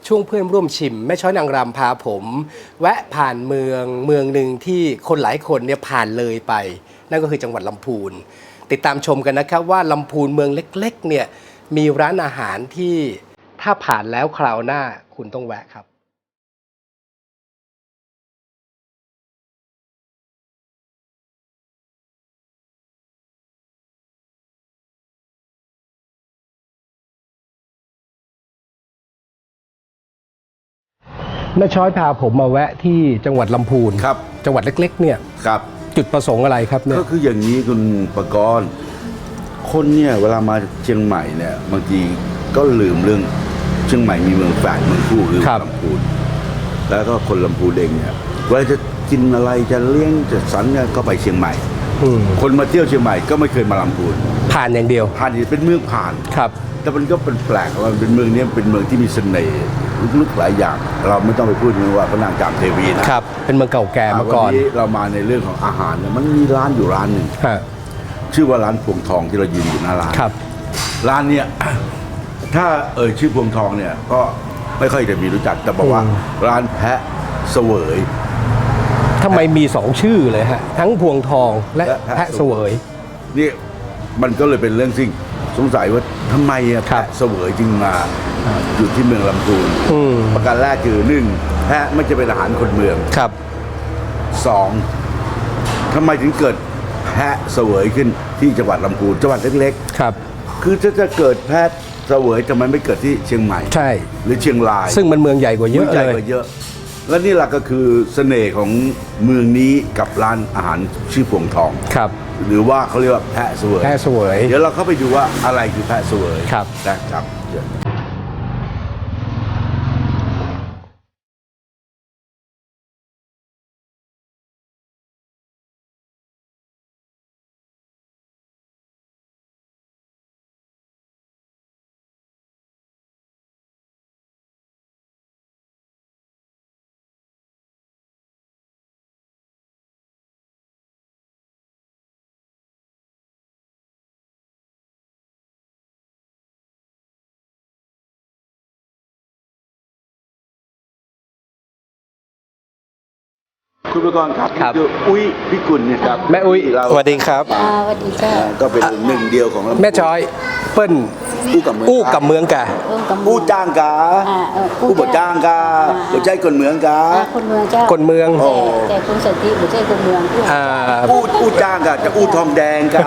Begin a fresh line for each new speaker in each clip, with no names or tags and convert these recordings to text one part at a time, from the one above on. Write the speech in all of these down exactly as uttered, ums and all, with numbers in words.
ช่วงเพื่อนร่วมชิมแม่ช้อยนางรำพาผม แวะผ่านเมืองเมืองหนึ่งที่คนหลายคนเนี่ยผ่านเลยไป นั่นก็คือจังหวัดลำพูนติดตามชมกันนะครับว่าลำพูนเมืองเล็กๆเนี่ยมีร้านอาหารที่ถ้าผ่านแล้วคราวหน้าคุณต้องแวะครับแม่ช้อยพาผมมาแวะที่จังหวัดลำพูนครับจังหวัดเล็กๆเนี่ยครับจุดประสงค์อะไรครับเนี่ย
ก็คืออย่างนี้คุณประกรณ์คนเนี่ยเวลามาเชียงใหม่เนี่ยบางทีก็ลืมเรื่องเชียงใหม่มีเมืองแฝดเมืองคู่คือลำพูนแล้วก็คนลำพูนเองเนี่ยเวลาจะกินอะไรจะเลี้ยงจะสันเนี่ยก็ไปเชียงใหม่คนมาเที่ยวเชียงใหม่ก็ไม่เคยมาลำพูน
ผ่านอย่างเดียว
ผ่านเป็นเมืองผ่าน
ครับ
แต่มันก็เป็นแปลกว่าเป็นเมืองนี้เป็นเมืองที่มีเสน่ห์ลึกๆหลายอย่างเราไม่ต้องไปพูดถึงว่าพระนางจามเทวีนะครับ
เป็นเมืองเก่าแก่มาก่อน
วันนี้เรามาในเรื่องของอาหารเนี่ยมันมีร้านอยู่ร้านหนึ่งชื่อว่าร้านพวงทองที่เรายืนอยู่หน้าร้าน
ครับ
ร้านเนี่ยถ้าเอ่ยชื่อพวงทองเนี่ยก็ไม่ค่อยจะมีรู้จักแต่บอกว่าร้านแพะเสวย
ทำไมมีสองชื่อเลยฮะทั้งพวงทองและแพะเสวย
นี่มันก็เลยเป็นเรื่องสิ่งสงสัยว่าทำไมแพะเสวยจึงมาอยู่ที่เมืองลำพูนประการแรกคือหนึ่งแพะไม่จะเป็นอาหารคนเมือง
ครับ
สองทำไมถึงเกิดแพะเสวยขึ้นที่จังหวัดลำพูนจังหวัดเล็ก
ๆครับ
คือถ้าจะเกิดแพะเสวยทำไมไม่เกิดที่เชียงใหม่
ใช่
หรือเชียงราย
ซึ่งมันเมืองใหญ่กว่าเยอะเลย
เยอะและนี่แหละก็คือเสน่ห์ของเมืองนี้กับร้านอาหารชื่อพวงทอง
ครับ
หรือว่าเขาเรียกว่าแพะเสวย
แพะเสวย
เดี๋ยวเราเข้าไปดูว่าอะไรคือแพะเสวย
ครับ
นะครับคุณประกรณ์ครับคืออุ้ยพิกุลเนี่ยครับ
แม่อุ้ยสวัสดีครับ
สวัสดีจ้า
ก็เป็นหนึ่งเดียวของ
แม่ช้อยเปิ้ล
อู้กับเมือง
อู้กับเมืองกะ
อู้จ้างกาอู้บดจ้างกาบดใจคนเมืองกา
คนเมืองเจ้า
คนเมือง
แต่คุณสันติบดใจคนเมือง
อู้อู้จ้างกาจะอู้ทองแดงกา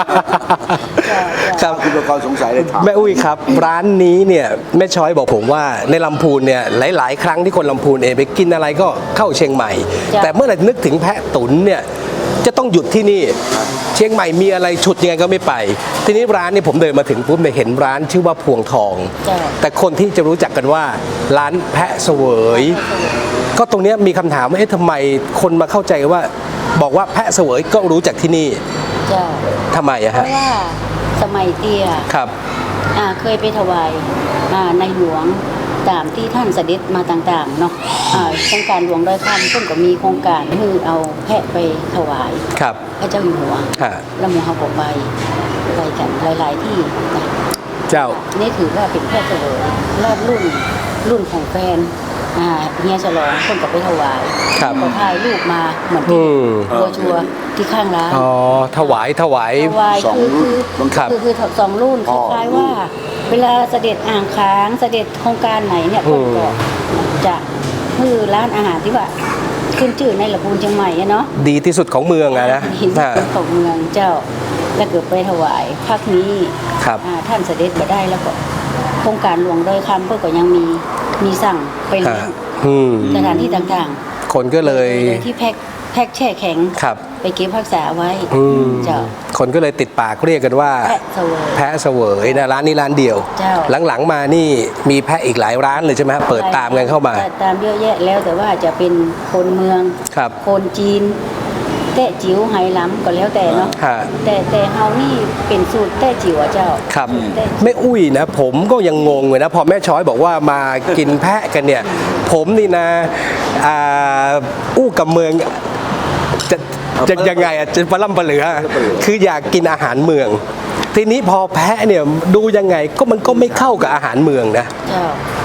ครับ
คุณประกรณ์สงสัยเลยถาม
แม่อุ้ยครับร้านนี้เนี่ยแม่ช้อยบอกผมว่าในลำพูนเนี่ยหลายๆครั้งที่คนลำพูนเองไปกินอะไรก็เข้าเชียงใหม่แต่เมื่อไหร่นึกถึงแพะตุ๋นเนี่ยจะต้องหยุดที่นี่เชียงใหม่มีอะไรฉุดยังไงก็ไม่ไปทีนี้ร้านนี้ผมเดินมาถึงปุ๊บเนี่ยเห็นร้านชื่อว่าพวงทองแต่คนที่จะรู้จักกันว่าร้านแพะเสวยก็ตรงนี้มีคำถามว่าเอ๊ะทำไมคนมาเข้าใจว่าบอกว่าแพะเสวยก็รู้จักที่นี่ทำไมอะฮะ
เพราะว่าสมัยเตี้ย
ครับ
เคยไปถวายในหลวงตามที่ท่านเสด็จมาต่างๆเนาะโครงการหลวงดอยคำซึ่งก็มีโครงการคือเอาแพะไปถวายพระเจ้าอยู่หัวแล้วหมู่เฮาก็ไปไปกันหลายๆที่
เจ้า
นี่ถือว่าเป็นแพะเสวยรอดรุ่นรุ่นของแฟนเฮียฉลองคนก็ไปถวายก็ถ่ายรูปมาเหมือนที่บัวชัวที่ข้างร้าน
อ๋อถวายถวาย
ถวายคือคือคือสองรุ่นคล้ายๆว่าเวลาเสด็จอ่างค้างเสด็จโครงการไหนเนี่ยคนก็จะคือร้านอาหารที่ว่าขึ้นชื่อในลำพูนเชียงใหม่เนาะ
ดีที่สุดของเมืองอะนะ
ดีที่สุดของเมืองเจ้าแล้วเกิดไปถวายภาคนี้ท่านเสด็จมาได้แล้วก็โครงการหลวงดอยคำเพื่อก็ยังมีมีสั่งไปเลี้ยงสถานที่ต่าง
ๆคนก็เลย
ที่แพ็คแพ็คแช่แข็งไปเก็บรักษาไว้เจ้า
คนก็เลยติดปากเรียกกันว่าแพะเสวยนะร้านนี้ร้านเดียวหลังๆมานี่มีแพะอีกหลายร้านเลยใช่ไหมเปิดตามกันเข้ามา
ตามเยอะแยะแล้วแต่ว่าจะเป็นคนเมืองคนจีนแต้จิ๋วไหหลำก็แล้วแต่เนาะแต่แต่เฮานี่เป็นสูตรแต้จิ๋วเจ้า
ครับไม่อุ้ยนะผมก็ยังงงเลยนะพอแม่ช้อยบอกว่ามากินแพะกันเนี่ยผมนี่นะอู้กับเมืองจะจะยังไงอ่ะจะปลาล่ำปลาเหลือคืออยากกินอาหารเมืองทีนี้พอแพะเนี่ยดูยังไงก็มันก็ไม่เข้ากับอาหารเมืองนะ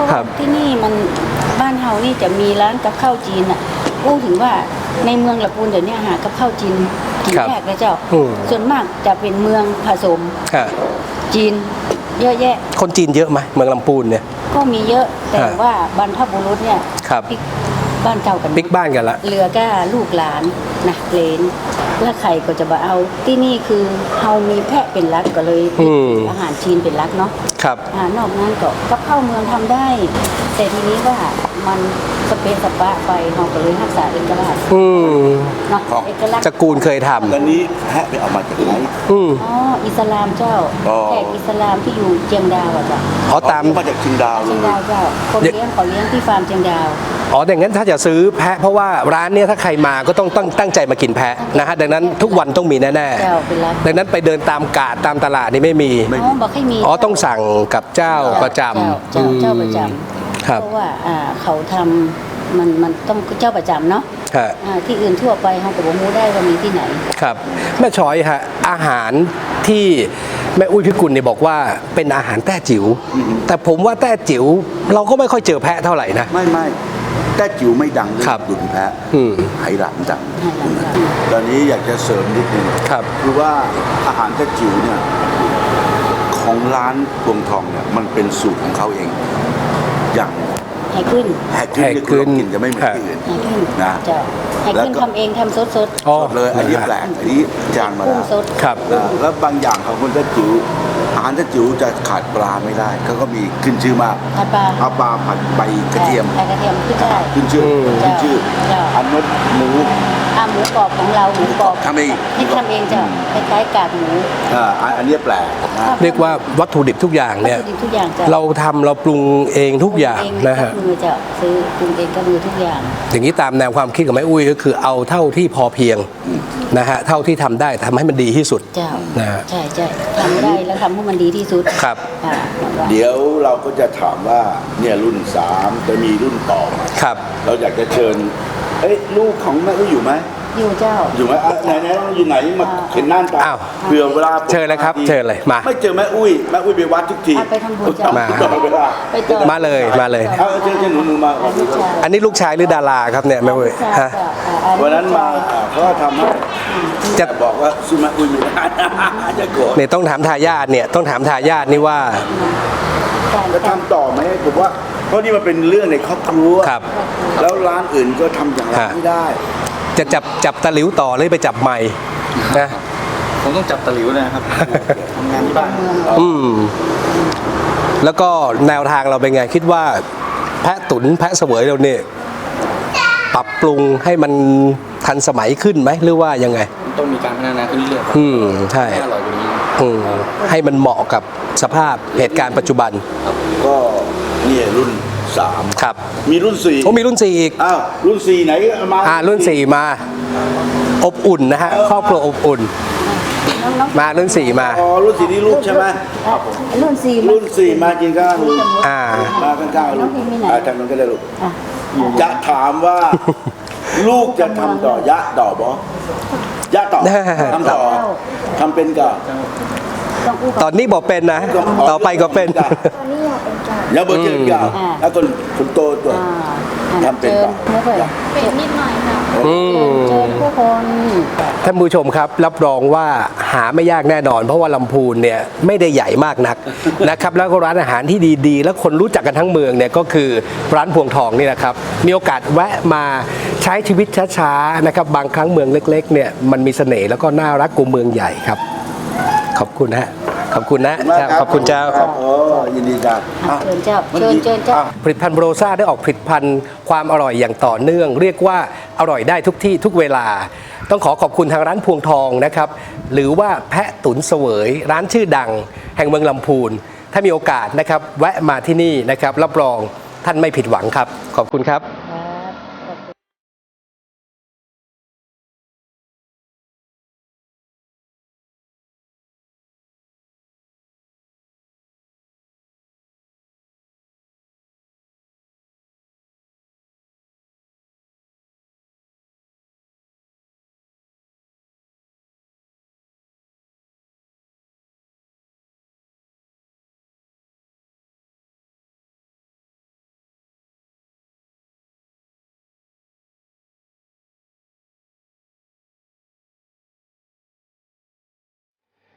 ครับ
ที่นี่มันบ้านเฮานี่จะมีร้านกับข้าวจีนอ่ะพูดถึงว่าในเมืองลำพูนเดี๋ยวนี้หากับข้าวจีนกิน
ครับ
ยากนะเจ้า
อืม
ส่วนมากจะเป็นเมืองผสม
ฮะ
จีนเยอะแยะ
คนจีนเยอะไหมเมืองลำพูนเนี่ย
ก็มีเยอะแต่
ฮะ
ว่าบรรพบุรุษเนี่ย
ครับ
ปิ๊กบ้านเก่ากัน
บิ๊กบ้านกันละ
เหลือก็ลูกหลานนะเลนแล้วใครก็จะมาเอาที่นี่คือเฮามีแพะเป็นรักก็เลย
อืม
อาหารจีนเป็นรักเนาะ
ครับ
อ่านอกนั้นก็กับข้าวเมืองทำได้ แต่ทีนี้ว่ามันสเปซสปะไปเราก็เลยรักษาเอกลักษณ์
อืม
เนาะเอกลักษณ์
จักรูลเคยท
ตอนนี้แพะไปเอามาจากไหน
ำอืม
อ๋ออิสลามเจ้า
อ๋อ
แขกอิสลามที่อยู่เจียงดาวอะจ้ะ
อ๋อตาม
มาจากเชียงดาวเล
เจีย
ย
งดาวเจ้าคนเลี้ยงเขาเลี้ยงที่ฟาร์มเจียงดาว
อ๋อดังนั้นถ้าจะซื้อแพะเพราะว่าร้านเนี้ยถ้าใครมาก็ต้องตั้งตั้งใจมากินแพะนะฮะดังนั้นทุกวันต้องมีแน่
เจ้าเป็นรัก
ๆดังนั้นไปเดินตามกาดตามตลาดนี่ไม่มี
อ๋อบอกให้มี
อ๋อต้องสั่งกับเจ้าประจำ
เจ้าเจ้าประจ
อืม
ำ
ครับ
เพราะว่าอ่าเขาทำมันมันต้องเจ้าประจำเนาะ
ฮะ
อ่าที่อื่นทั่วไปเขาก็บอกมูได้ว่ามีที่ไหน
ครับแม่ช้อยฮะอาหารที่แม่อุ้ยพิกุลเนี่ยบอกว่าเป็นอาหารแต้จิ๋วแต่ผมว่าแต้จิ๋วเราก็ไม่ค่อยเจอแพะเท่าไหร่นะ
ไม่ไม่แต่จิ๋วไม่ดังเรื่
ครับ
ดุนแพะ
อืม
ไหหลานดัง
ไหหลานดัง
ตอนนี้อยากจะเสริมนิดนึง
ครับ
คือว่าอาหารแต่จิ๋วเนี่ยของร้านพวงทองเนี่ยมันเป็นสูตรของเขาเอง อย่าง
ให้ขึ้น
แฮกขึ้นที่คุณลองกินจะไม่เหมือนที่อื่น
ให้ขึ้น
นะ
เจ้าให้
แล้ว
ขึ้น
ก็
ทำเองทำสดสด
อ๋อ
สดเลยอันนี้แปลกอันนี้จานมา
กุ้ง
แล้ว
สด
ครับ
นะแล้วบางอย่างของคนแต่จิ๋วอาหารแต่จิ๋วจะขาดปลาไม่ได้เขาก็มีขึ้นชื่อมาก
ผัดปลา
เอาปลาผัดใบกระเทียม
ใส่กระเทียมขึ้นได้
ขึ้นชื่อ
อืม
ขึ้นชื่อ
เจ้า
อันนั้นหมู
อ่าหมูกรอบของเราหมูกรอบ
ทำเอง
ที่ทำเองเจ้าคล้ายๆกากหมู
อ่าอันอันนี้แปลกนะ
เรียกว่าวัตถุดิบทุกอย่างเนี่ย
วัตถุดิบทุกอย่างเจ้า
เราทำเราปรุงเองทุกอย่าง
ปรุเ
นะฮะ
กับมือเจ้าซื้อปรุงเองกับมือทุกอย่าง
อย่างนี้ตามแนวความคิดของแม่อุ้ยก็คือเอาเท่าที่พอเพียงนะฮะเท่าที่ทำได้ทำให้มันดีที่สุด
เจ้า
นะฮะ
ใช่ใช่ทำได้แล้วทำให้มันดีที่สุด
ครับ
อ่า
เดี๋ยวเราก็จะถามว่าเนี่ยรุ่นสามจะมีรุ่นต่อมา
ครับ
เราอยากจะเชิญเอ้ยลูกของแม่อุ้ยอยู่ไหม
อยู่เจ้า
อยู่ไหมอ่ะไหนไหนอยู่ไหนมา
อ่า
เห็นหน้าตา
อ้าว
เผื่อเวลา
เชิญเลยครับ
ที
เชิญเลยมา
ไม่เจอแม่อุ้ยแม่อุ้ยไปวัดทุกที
อ่ะไปทำบุญจ้ะ
มา
ตลอดเวลา
ไปต่อ
มาเลยมาเลย
เอาเชิญเชิญหนูหนูมา
อ่าลูกชาย
อันนี้ลูกชายหรือดาราครับเนี่ยแม่อุ้ย
ลูกชาย
ฮะ
จ้ะอ่าอั
วันนั้นมาอ่าเขาก็ทำให้
จะ
แต่บอกว่าซื้อแม่อุ้ยไม่ได้ จะโกรธ
เนี่ยต้องถามทายาทเนี่ยต้องถามทายาทนี่ว่า
การ
จะทำต่อไหมผมว่าเพราะนี่มันเป็นเรื่องในครอบครัว
ครับ
แล้วร้านอื่นก็ทำอย่างนั้นไม่ได้
จะจับจับตะหลิวต่อเลยไปจับใหม่นะ
ผมต้องจับตะหลิวนะครับ ทำงานที่บ้าน
อืมแล้วก็แนวทางเราเป็นไง คิดว่าแพะตุนแพะเสวยเราเนี่ยปรับปรุงให้มันทันสมัยขึ้นไหมหรือว่ายังไง
ต้องมีการพัฒนาขึ้นเรื่อยๆครับ
อืมใช่
ให้อร่อยกว่านี้
อืมให้มันเหมาะกับสภาพเหตุการณ์ปัจจุบัน
ก็เนี่ยรุ่นสาม
ครับ
มีรุ่นสี่
โอ้มีรุ่นสี่อีก
อ้าวรุ่นสี่ไหนเอามา
อ่ารุ่นสี่มา อบอุ่นนะฮะครอบครัวอบอุ่น
น้องๆ
มารุ่นสี่มา
อ๋อรุ่นสี่นี่ลูกใช่ไหม
อ่ะรุ่นสี่
รุ่นสี่มากินข้าวลูก
อ่า
มาข้างๆลูก
น้องพิมพ์มีไหน
อ่าทางนั้นก็ได้ลูก
อ่ะ
จะถามว่า ลูกจะทำต่อยะต่อบอยะต่อทำต่อทำเป็นก่อน
ต้องอู้
ตอนนี้บอกเป็นนะ ต่อไปก็เป็น
แล้วบอเชิญก่อน
อ่า
แล้วคนคนโตตัว
อ่าอ่ะ
ทำเป็น
เชิญ
เปล่า
ไม่เคย
เป็นนิดหน่อยค่ะ
อืม
เชิญผู้คน
ท่านผู้ชมครับรับรองว่าหาไม่ยากแน่นอน เพราะว่าลำพูนเนี่ยไม่ได้ใหญ่มากนัก นะครับแล้วก็ร้านอาหารที่ดีๆ แล้วคนรู้จักกันทั้งเมืองเนี่ยก็คือร้านพวงทองนี่นะครับมีโอกาสแวะมาใช้ชีวิตช้าๆนะครับบางครั้งเมืองเล็กๆเนี่ยมันมีเสน่ห์แล้วก็น่ารักกว่าเมืองใหญ่ครับ ขอบคุณฮะขอบคุณนะ
มาก
ขอบคุณเจ้า
ครับโอ้ยินดีจ้า
อ่ะเชิญเจ้าเชิญเชิญเจ้า
ผลิตภัณฑ์โบรซ่าได้ออกผลิตภัณฑ์ความอร่อยอย่างต่อเนื่อง เรียกว่าอร่อยได้ทุกที่ทุกเวลา ต้องขอขอบคุณทางร้านพวงทองนะครับหรือว่าแพะตุ๋นเสวย ร้านชื่อดัง แห่งเมืองลำพูนถ้ามีโอกาสนะครับแวะมาที่นี่นะครับรับรองท่านไม่ผิดหวังครับ ขอบคุณครับ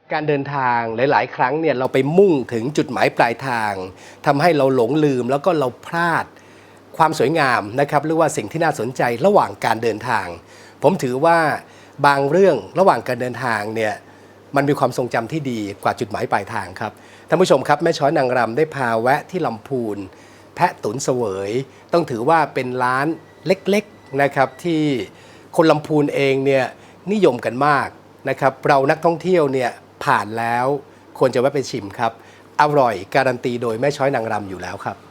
การเดินทางหลายๆ ครั้งเนี่ยเราไปมุ่งถึงจุดหมายปลายทางทำให้เราหลงลืมแล้วก็เราพลาดความสวยงามนะครับหรือว่าสิ่งที่น่าสนใจระหว่างการเดินทาง ผมถือว่าบางเรื่องระหว่างการเดินทางเนี่ยมันมีความทรงจำที่ดีกว่าจุดหมายปลายทางครับท่านผู้ชมครับแม่ช้อยนางรำได้พาแวะที่ลำพูนแพะตุ๋นเสวย ต้องถือว่าเป็นร้านเล็กๆนะครับที่คนลำพูนเองเนี่ยนิยมกันมากนะครับเรานักท่องเที่ยวเนี่ยผ่านแล้วควรจะแวะไปชิมครับอร่อยการันตีโดยแม่ช้อยนางรำอยู่แล้วครับ